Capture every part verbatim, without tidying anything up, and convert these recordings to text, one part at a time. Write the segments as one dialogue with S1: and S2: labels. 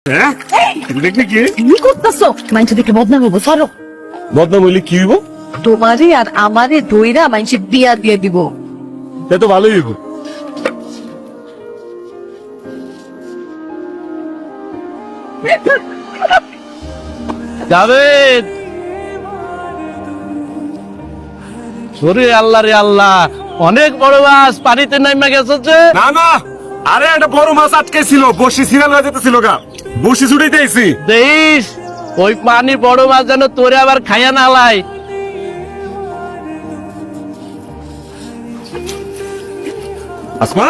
S1: হ্যাঁ দেখলি কি
S2: কি করতেছো? মাইনছে দেখে বদনাম হবো, সরো।
S1: বদনাম হইলে কি হইব?
S2: তোমারে আর আমারে দইরা মাইনছে বিয়া দিয়ে দিব।
S1: তা তো ভালোই হইব।
S3: জাভেদ, ওরে আল্লাহ রে আল্লাহ, অনেক বড় মাছ পানিতে নাইমা গেছে যে।
S1: না না, আরে একটা বড় মাছ আটকে ছিল, বসি সিরিয়াল হয়ে যেতেছিল গা, বসি ছুটাইতে আইছি।
S3: দেখিস ওই পানি বড় মাছ যেন তোরে আবার খাইয়া না লাই।
S1: আসমা,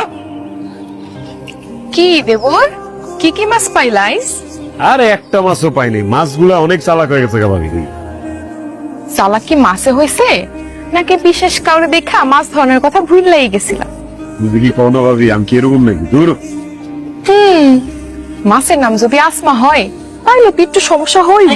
S4: কি দেবর, কি কি মাছ পাইলাইস?
S1: আরে একটা মাছও পাইনি, মাছগুলা অনেক চালাক হয়ে গেছে গা ভাবি।
S4: চালাক কি মাছে হয়েছে নাকি বিশেষ কাউরে দেখা মাছ ধরনের কথা ভুললাই গেছিলাম?
S1: বুঝলি কি পাও না ভাবি, আমি কি এরকম নাকি? দূর
S4: হুম, মাছের নাম যদি আসমা হয় তাহলে তো একটু সমস্যা হইব।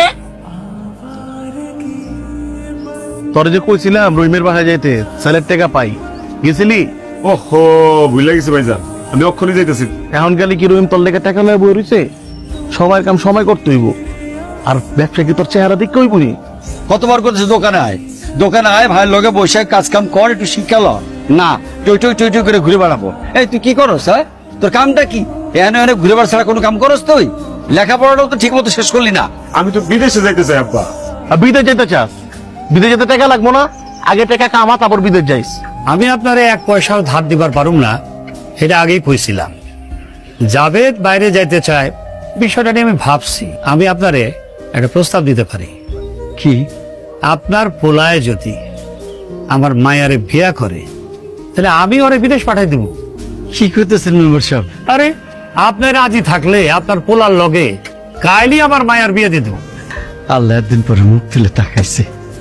S3: তোরে যে কইছিলাম রহিমের বাসায় যাইতে, স্যালের টাকা পাই, গেছিলি?
S1: ওহো, ভুলে গেছি ভাইজান, আমি অক্ষণই যাইতেছি।
S3: এখন গেলে কি রহিম তোর লেগে টাকা লয়ে বই রইছে? সবার কাম সময় করতে হইব, আর ব্যবসা কি তোর চেহারা দেখতে হইব নি?
S5: কতবার করছে দোকানে আয়, দোকানে আয়, ভাইয়ের লগে বসে কাজ কাম কর, একটু শিক্ষা ল। না, টই টই টই টই করে ঘুরে বেড়াবো। এই তুই কি করস? হ্যাঁ, তোর কামটা কি? এনে এনে ঘুরে বেড়া ছাড়া কোনো কাম করস তুই? লেখাপড়াটাও তো ঠিক মতো শেষ করলি না।
S1: আমি তো বিদেশে যাইতে চাই আব্বা।
S3: আর বিদেশ যেতে চাস? বিদেশ যেতে টাকা লাগবো না? আগে টাকা কামা, তারপর বিদেশ যাইস।
S6: আমি আপনারে এক পয়সাও ধার দিবার পারুম না, এটা আগেই কইছিলাম। জাভেদ বাইরে যাইতে চায়, বিষয়টা নিয়ে আমি ভাবছি। আমি আপনারে একটা প্রস্তাব দিতে পারি।
S5: কি?
S6: আপনার পোলায় যদি আমার মায়ারে বিয়া করে, তাহলে আমি ওরে বিদেশ পাঠাই দিব।
S5: কি করতেছেন মেম্বার সাহেব?
S6: আরে, আপনার রাজি থাকলে আপনার পোলার লগে কাইলি আমার মায়ার বিয়ে দিয়ে দেব।
S5: আল্লাহ একদিন পরে মুখ তুলে তাকাইছে।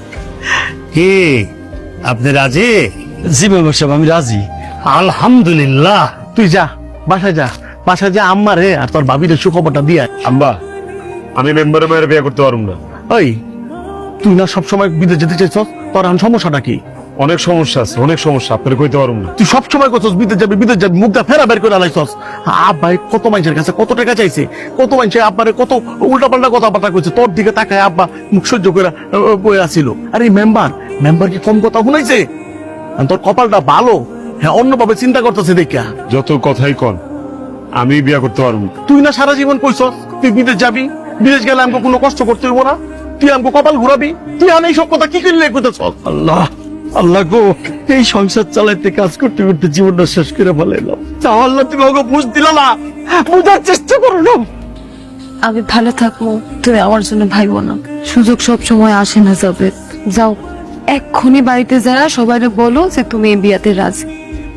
S6: কি আপনি রাজি?
S5: জি মেম্বার সাহেব, আমি রাজি।
S6: আলহামদুলিল্লাহ।
S3: তুই যা, বাসায় যা, বাসায় যা, আম্মা রে আর তোর ভাবির সুখবরটা দিয়ে আয়।
S1: আম্বা, আমি মেম্বারের মায়ের বিয়ে করতে পারুম না।
S3: ওই, তুই না সবসময় বিদেশ যেতে চাইছ, তোর এখন সমস্যাটা কি?
S1: অনেক সমস্যা আছে, অনেক সমস্যা, আপনার কইতে পারুম না।
S3: তুই সবসময় করছস বিদেশ যাবি বিদেশ যাবি, মুখটা ফেরা বের করে আলাইছস। আব্বাই কত মানুষের কাছে কত টাকা চাইছে, কত মানুষের আব্বারে কত উল্টা পাল্টা কথাবার্তা কইছে, তোর দিকে তাকায় আব্বা মুখ সহ্য করে বই আসিল। আর এই মেম্বার মেম্বার কি কম কথা শুনাইছে? আর তোর কপালটা ভালো, হ্যাঁ, অন্যভাবে চিন্তা করতেছে দেখা।
S1: যত কথাই কন, আমি বিয়ে করতে পারুম না।
S3: তুই না সারা জীবন কইছস তুই বিদেশ যাবি, বিদেশ গেলে আমাকে কোনো কষ্ট করতে হইব না, তুই আমাকে কপাল ঘুরাবি। তুই আমি এইসব কথা কি করলে কইতেছ?
S5: আল্লাহ আল্লাহ গো, এই সংসার চালাইতে কাজ করতে করতে জীবনটা শেষ করে ফেলাইলাম।
S3: তাও আল্লাহ তুমি আমাকে বুঝ দিলা না, বুঝার চেষ্টা করো না।
S2: আমি ভালো থাকবো, তুমি আমার জন্য ভাইবো না। সুযোগ সব সময় আসে না জাভেদ। যাও, এক্ষুনি বাড়িতে যারা সবাই বলো যে তুমি এই বিয়াতে রাজি।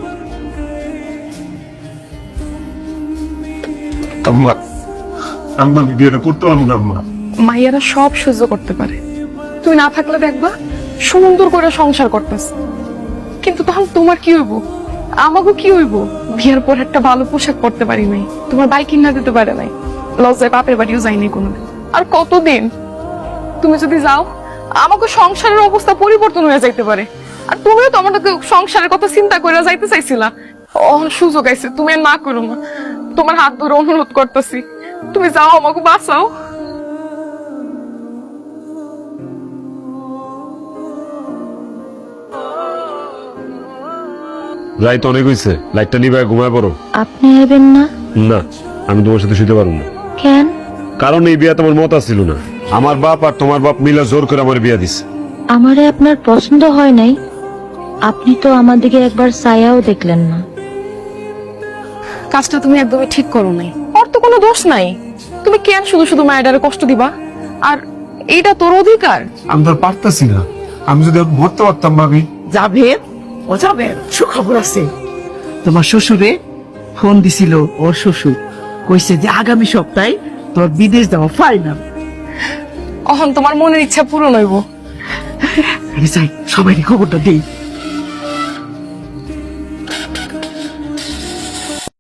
S1: আম্মা, আম্মা, আমি বিয়েটা করতে পারবো না আম্মা।
S4: মাইয়ারা সব সহ্য করতে পারে, তুই না থাকলে দেখবা সুন্দর করে সংসার করতেছে। কিন্তু তখন তোমার কি হইব, আমাকে কি হইব? বিয়ের পর একটা ভালো পোশাক পরতে পারি নাই, তোমার বাইক কিনা দিতে পারে নাই, লজ্জায় বাপের বাড়িও যাইনি কোনো। আর কতদিন? তুমি যদি যাও আমাকে সংসারের অবস্থা পরিবর্তন হয়ে যাইতে পারে। আর তুমিও তো আমার সংসারের কথা চিন্তা করে যাইতে চাইছিলা। অহন সুযোগ আইছে, তুমি আর না করো না। তোমার হাত ধরে অনুরোধ করতেছি, তুমি যাও, আমাকে বাঁচাও।
S1: রাইত অনেক হইছে, লাইটটা নিবে, ঘুমায় পড়ো।
S7: আপনি এবেন না?
S1: না, আমি তোমার সাথে শুতে পারবো না।
S7: কেন?
S1: কারণ এই বিয়া তোমার মত ছিল না। আমার বাপ আর তোমার বাপ মিলা জোর করে আমার বিয়া দিছে।
S7: আমারে আপনার পছন্দ হয় নাই? আপনি তো আমার দিকে একবার ছায়াও দেখলেন না।
S4: কাজটা তুমি একদমই ঠিক করো নাই, ওর তো কোনো দোষ নাই। তুমি কেন শুধু শুধু মায়েরারে কষ্ট দিবা? আর এইটা তোর অধিকার।
S1: আমি তো পারতাছি না, আমি যদি মরতে পারতাম ভাবি।
S2: জাভেদ, ও জাভেদ, সুখবর আছে। তোমার শ্বশুরে ফোন দিছিল, ওর শ্বশুর কইছে যে আগামী সপ্তাহে তোর বিদেশ যাওয়া ফাইনাল।
S4: অহন তোমার মনের ইচ্ছা পূরণ হইব।
S2: আমি চাই সবাই খবরটা দেই।